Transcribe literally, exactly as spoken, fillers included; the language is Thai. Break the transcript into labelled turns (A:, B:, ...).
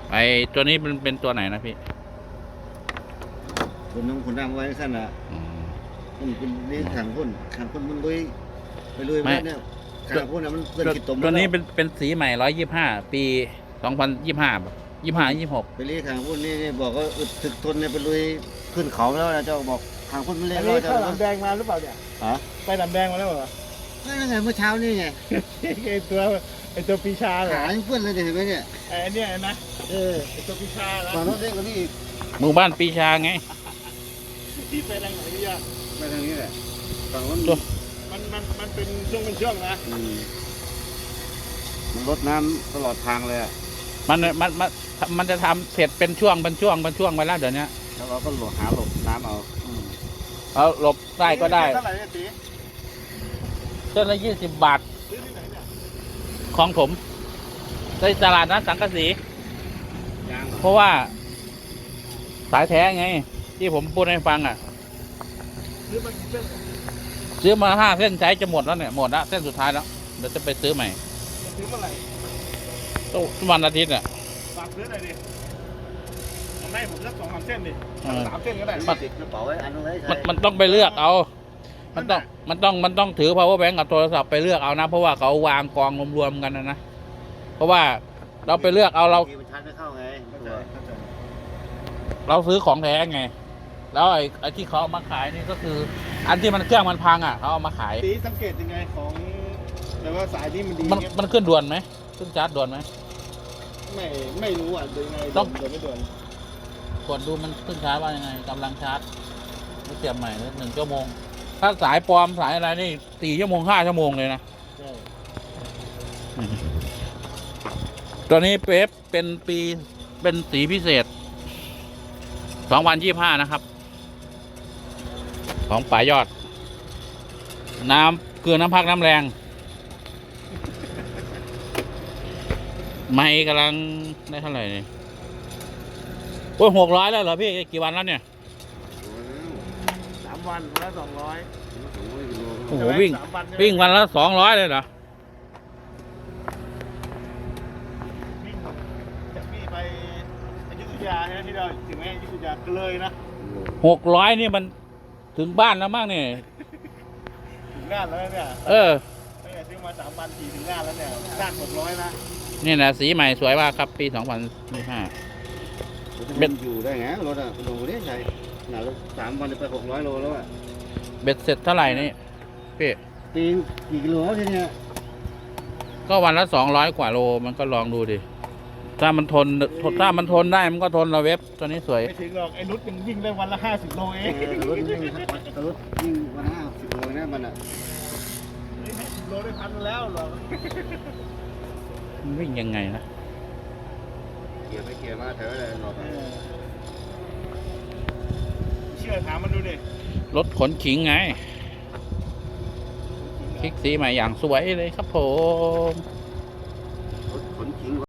A: ไอตัวนี้เป็นเป็นตัวไหนนะพี่
B: คนน้องคนดำไว้สั้นอ่ะมันเป็นนี่ขังคนขังคนมันลุยไปลุยไปเนี่ยขังคนอ่ะมันเกินขีดตม
A: ตัวนี้เป็นเป็นสีใหม่ร้อยยี่สิบห้าปีสองพันยี่สิบห้ายี่สิบห้ายี่สิบหก
B: ไปรีขังคนนี่บอกว่าอึดถึกทนเนี่ยไปลุยขึ้นเขาแล้วนะเจ้าบอกขังคนมันเลี้ยงเรา
C: เจ้าลำแดงมาหรือเปล่าเนี่ย
B: ฮะ
C: ไปลำแดงมาแล้วเหรอ
B: นั่นไงเมื่อเช้านี่ไง
C: ไอตัวไอตัวปีชาเหรอ
B: ขาเพื่อนเลยเห็นไหมเนี่ย
C: ไอเนี่ยนะเออไอตัวปีชาแล้ว
B: ฝั่งโน้นเล็กกว่านี้อีก
A: หมู่บ้านปีชาไง
C: ที่ไปทางไหนดีอ่ะ
B: ไปทางนี้แหละฝั่งโน้น
C: มันมันมันเป็นช่วงเป็นช่วงนะ
B: มันลดน้ำตลอดทางเลยอ่ะ
A: มันมันมันมันจะทำเสร็จเป็นช่วงเป็นช่วงเป็นช่วงไปแล้วเดี๋ยวนี้
B: แล้วเราก็หลบหาหลบน้ำเอา
A: เอาหลบได้ก็ได้
C: เท่าไหร่เนี่ยตี
A: เส้นละยี่สิบบาทของผมในตลาดนัดสังกะสีเพราะว่าสายแท้ไงที่ผมพูดให้ฟังอ่ะซื้อมาห้าเส้นใช้จะหมดแล้วเนี่ยหมดแล้วเส้นสุดท้ายแล้วเดี๋ยวจะไปซื้อใหม่
C: ซื้อเมื่อไหร่
A: ต้องวันอาทิตย์อ่ะ
C: ฝากซื้อหน่อยดิทำให้ผมสักสองสามเส้นดิสามเส้นก็ได้
B: ติดกระเป๋าไว้อันนึงเลย
A: มันต้องไปเลือกเอามันต้องมันต้องมันต้องถือ power bank กับโทรศัพท์ไปเลือกเอานะเพราะว่าเขาวางกองรวมๆกันนะนะเพราะว่าเราไปเลือกเอาเราเราซื้อของแท้ไงแล้วไอ้ไอ้ที่เขาเอามาขายนี่ก็คืออันที่มันเครื่องมันพังอ่ะเขาเอามาขาย
C: ตีสังเกตยังไงของแต่ว่าสายที่มันดี
A: มันมันขึ้นด่วนไหมขึ้นชาร์จด่วนไหม
C: ไม่ไม่รู้อ่ะดูยังไงต้องด่วนไม่ด่วน
A: กดดูมันขึ้นชาร์จว่ายังไงกำลังชาร์จไม่เสียบใหม่เลยหนึ่งชั่วโมงถ้าสายปลอมสายอะไรนี่สี่ชั่วโมงห้าชั่วโมงเลยนะตัวนี้เป๊ปเป็นปีเป็นสีพิเศษสองพันยี่สิบห้านะครับของป่ายอดน้ำเกลือน้ำพักน้ำแรงไม่กำลังได้เท่าไหร่เนี่ยโอ้ยหกร้อยแล้วเหรอพี่กี่วันแล้วเนี่ย
C: สามวันวันละสองร้อย
A: โอ้โหวิ่งวิ่งวันละสองร้อยเลยเหรอ
C: วิ่งจากนี่ไปอยุธยาเนี่ยที่เราถึงแม้อยุธยาก็เลยนะ
A: หกร้อยนี่มันถึงบ้านแล้วมั้งเนี่ย
C: ถึงงานแล้วเนี่ย
A: เออ
C: ไม่ซื้อมาสามพันสี่ถึงงานแล้วเนี่ยด้านหกร้อยนะ
A: นี่นะสีใหม่สวยมากครับปีสองพันยี่สิบห้า
B: เบ็ดอยู่ได้ไงรถอะโลนี้ใช่หนาสามวันจะไปหกร้อยโลแล้วอะ
A: เบ็ดเสร็จเท่าไหร่นี่พี่
B: ตีกี่กิโลทีเนี้ย
A: ก็วันละสองร้อยกว่าโลมันก็ลองดูดิถ้ามันทนถ้ามันทนได้มันก็ทนเราเว็บตัวนี้สวย
C: ไม่ถึงหรอกไอ้นุชมันวิ่งได้วันละห้าสิบโลเอง
B: รถวิ่งรถวิ่งวันห้าสิบโลนะมันอะ
C: สิบโลได้พันแล้วหรอ
A: มันวิ่งยังไงนะ
B: เกียร์ไปเกียร์มาแถวอะไรหรอก
C: เชื่อถามมันดูดิ
A: รถขนขิงไงคลิกสีใหม่อย่างสวยเลยครับผม